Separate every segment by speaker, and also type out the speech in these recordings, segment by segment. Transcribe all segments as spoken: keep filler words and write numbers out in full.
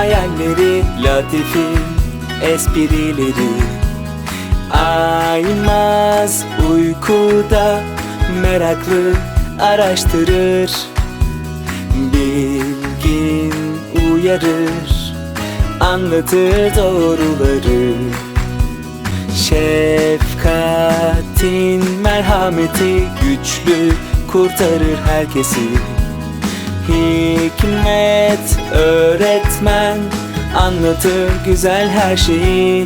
Speaker 1: hayalleri, Latif'in esprileri. Aymaz uykuda meraklı araştırır, bilgin uyarır, anlatır doğruları. Şefkatin merhameti güçlü kurtarır herkesi. Hikmet öğretmen anlatır güzel her şeyi.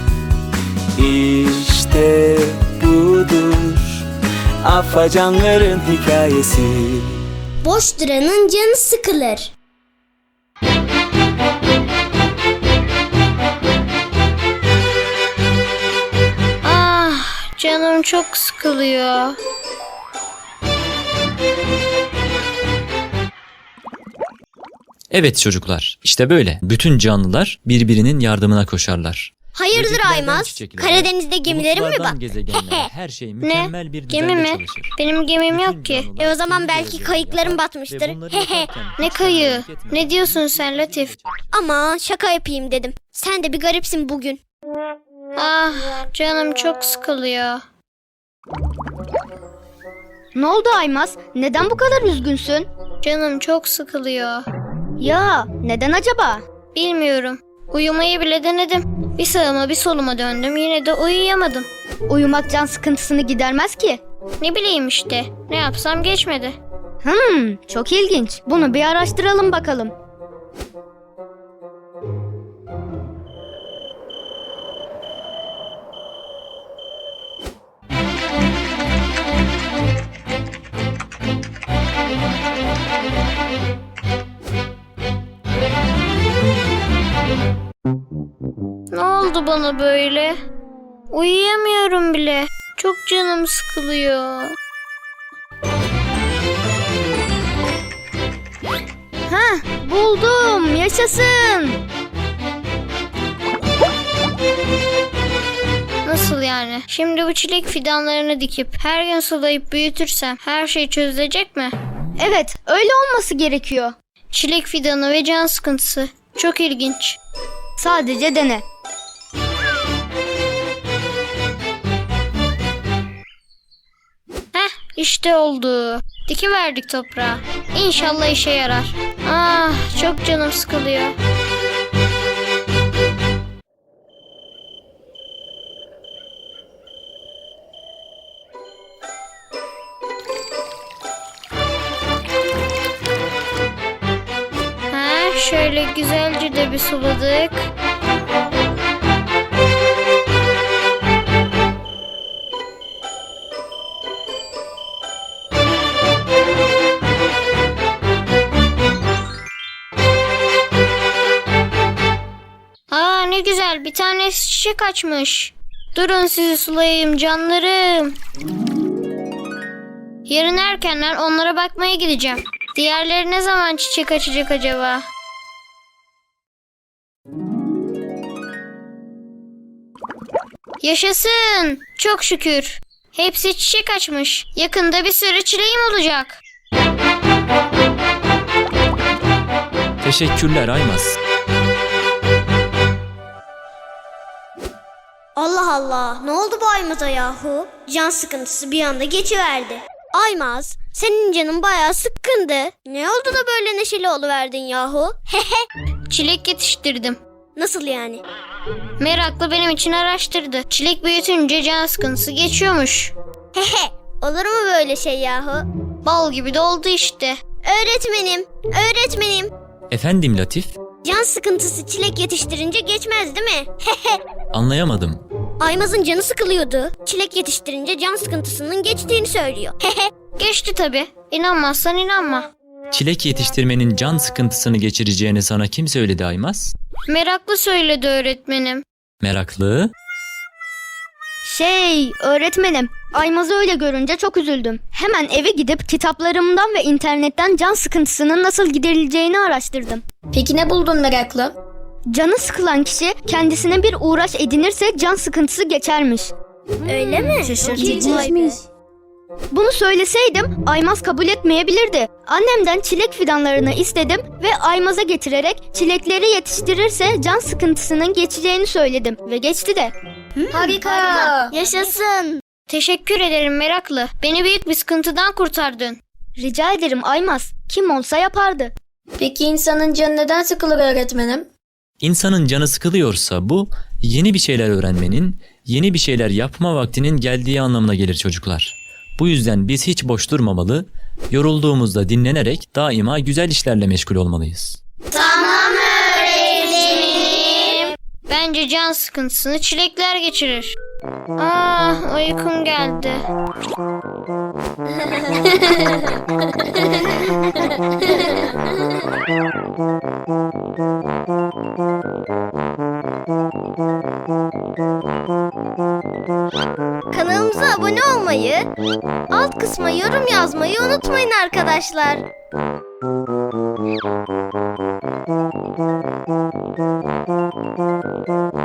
Speaker 1: İşte budur afacanların hikayesi.
Speaker 2: Boş duranın canı sıkılır.
Speaker 3: Ah, canım çok sıkılıyor.
Speaker 4: Evet çocuklar, işte böyle. Bütün canlılar birbirinin yardımına koşarlar.
Speaker 2: Hayırdır
Speaker 4: Böceklerden
Speaker 2: Aymaz?
Speaker 4: çiçeklere,
Speaker 2: Karadeniz'de gemilerin mi
Speaker 4: bulutlardan
Speaker 2: bak?
Speaker 4: gezegenlere, her şey
Speaker 3: Ne?
Speaker 4: mükemmel bir
Speaker 3: Gemi
Speaker 4: düzende
Speaker 3: mi?
Speaker 4: çalışır.
Speaker 3: Benim gemim
Speaker 4: Bütün
Speaker 3: yok ki.
Speaker 4: canlılar
Speaker 2: E o zaman
Speaker 4: kendi
Speaker 2: belki
Speaker 4: görevlerini
Speaker 2: kayıkların
Speaker 4: yapar
Speaker 2: batmıştır.
Speaker 4: ve bunları
Speaker 2: Hehe.
Speaker 4: yaparken
Speaker 3: Ne
Speaker 4: hiç
Speaker 3: kayığı?
Speaker 4: hareket etmeden
Speaker 3: Ne diyorsun sen
Speaker 4: birlikte
Speaker 3: Latif?
Speaker 4: çalışır.
Speaker 2: Ama şaka yapayım dedim. Sen de bir garipsin bugün.
Speaker 3: Ah, canım çok sıkılıyor.
Speaker 5: Ne oldu Aymaz? Neden bu kadar üzgünsün?
Speaker 3: Canım çok sıkılıyor.
Speaker 5: Ya neden acaba?
Speaker 3: Bilmiyorum. Uyumayı bile denedim. Bir sağıma bir soluma döndüm. Yine de uyuyamadım.
Speaker 5: Uyumak can sıkıntısını gidermez ki.
Speaker 3: Ne bileyim işte. Ne yapsam geçmedi.
Speaker 5: Hmm, çok ilginç. Bunu bir araştıralım bakalım.
Speaker 3: Ne oldu bana böyle? Uyuyamıyorum bile. Çok canım sıkılıyor.
Speaker 5: Hah, buldum. Yaşasın.
Speaker 3: Nasıl yani? Şimdi bu çilek fidanlarını dikip her gün sulayıp büyütürsem her şey çözülecek mi?
Speaker 5: Evet, öyle olması gerekiyor.
Speaker 3: Çilek fidanı ve can sıkıntısı. Çok ilginç.
Speaker 5: Sadece dene.
Speaker 3: Heh, işte oldu. Dikiverdik toprağa. İnşallah işe yarar. Ah, çok canım sıkılıyor. Ha, şöyle güzelce de bir suladık. Aa, ne güzel, bir tanesi çiçek açmış. Durun sizi sulayayım canlarım. Yarın erkenden onlara bakmaya gideceğim. Diğerleri ne zaman çiçek açacak acaba? Yaşasın! Çok şükür. Hepsi çiçek açmış. Yakında bir sürü çileğim olacak.
Speaker 4: Teşekkürler Aymaz.
Speaker 2: Allah Allah, ne oldu bu Aymaz'a yahu? Can sıkıntısı bir anda geçiverdi. Aymaz, senin canın bayağı sıkkındı. Ne oldu da böyle neşeli oluverdin yahu? Hehe.
Speaker 3: Çilek yetiştirdim.
Speaker 2: Nasıl yani?
Speaker 3: Meraklı benim için araştırdı. Çilek büyütünce can sıkıntısı geçiyormuş.
Speaker 2: Hehe. Olur mu böyle şey yahu?
Speaker 3: Bal gibi de oldu işte.
Speaker 2: Öğretmenim, öğretmenim.
Speaker 4: Efendim Latif?
Speaker 2: Can sıkıntısı çilek yetiştirince geçmez değil mi? Hehe.
Speaker 4: Anlayamadım.
Speaker 2: Aymaz'ın canı sıkılıyordu. Çilek yetiştirince can sıkıntısının geçtiğini söylüyor. Hehe.
Speaker 3: Geçti tabii. İnanmazsan inanma.
Speaker 4: Çilek yetiştirmenin can sıkıntısını geçireceğini sana kim söyledi Aymaz?
Speaker 3: Meraklı söyledi öğretmenim.
Speaker 4: Meraklı.
Speaker 5: Şey, öğretmenim, Aymaz'ı öyle görünce çok üzüldüm. Hemen eve gidip kitaplarımdan ve internetten can sıkıntısının nasıl giderileceğini araştırdım.
Speaker 6: Peki ne buldun meraklı?
Speaker 5: Canı sıkılan kişi kendisine bir uğraş edinirse can sıkıntısı geçermiş.
Speaker 2: Öyle mi?
Speaker 6: Şaşırtıcıymış.
Speaker 5: Bunu söyleseydim Aymaz kabul etmeyebilirdi. Annemden çilek fidanlarını istedim ve Aymaz'a getirerek çilekleri yetiştirirse can sıkıntısının geçeceğini söyledim ve geçti de.
Speaker 3: Harika.
Speaker 2: Yaşasın.
Speaker 3: Teşekkür ederim meraklı. Beni büyük bir sıkıntıdan kurtardın.
Speaker 5: Rica ederim Aymaz. Kim olsa yapardı.
Speaker 6: Peki insanın canı neden sıkılır öğretmenim?
Speaker 4: İnsanın canı sıkılıyorsa bu yeni bir şeyler öğrenmenin, yeni bir şeyler yapma vaktinin geldiği anlamına gelir çocuklar. Bu yüzden biz hiç boş durmamalı, yorulduğumuzda dinlenerek daima güzel işlerle meşgul olmalıyız.
Speaker 3: Bence can sıkıntısını çilekler geçirir. Ah, uykum geldi.
Speaker 2: Kanalımıza abone olmayı, alt kısma yorum yazmayı unutmayın arkadaşlar.